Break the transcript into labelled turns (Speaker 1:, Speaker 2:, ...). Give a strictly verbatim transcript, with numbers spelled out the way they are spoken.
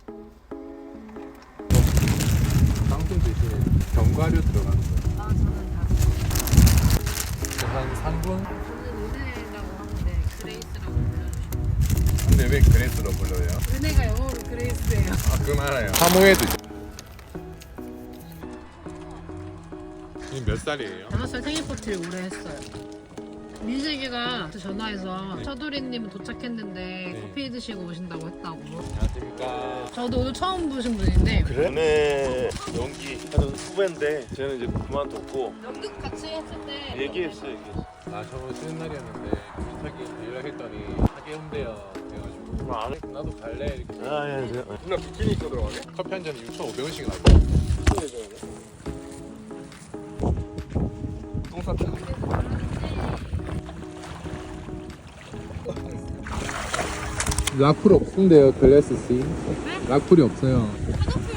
Speaker 1: 방송 대신에 견과류 들어가는 거예요.
Speaker 2: 아 저는 다
Speaker 1: 한 삼 분?
Speaker 2: 저는 은혜라고 하는데 그레이스라고 불러주시면
Speaker 1: 근데 왜 그레이스로 불러요?
Speaker 2: 은혜가 영어로 그레이스예요.
Speaker 1: 아, 그건 알아요. 사모예드. 지금 몇 살이에요?
Speaker 2: 다섯 살 생일 파티를 올해 했어요. 민식이가 전화해서 처두리님은 도착했는데
Speaker 1: 네.
Speaker 2: 커피 드시고 오신다고 했다고.
Speaker 1: 안녕하십니까.
Speaker 2: 저도 오늘 처음 보신 분인데
Speaker 3: 그래? 연애 연기하는 후배인데 쟤는 이제 그만뒀고
Speaker 2: 연극 같이 했을 때
Speaker 3: 얘기했어 얘기했어.
Speaker 1: 아, 저번 쉬는 날이었는데 비슷하게 연락했더니 하게 온대요. 그래가지고
Speaker 3: 그럼 안 해?
Speaker 1: 나도 갈래 이렇게.
Speaker 3: 아예 예.
Speaker 4: 누나 비키니 입고 들어가게?
Speaker 1: 커피 한 잔에 육천오백 원씩 나고.
Speaker 4: 똥 쌌다.
Speaker 1: 라쿨 없는데요, 글래스 씨. 라쿨이 없어요.
Speaker 2: 화장품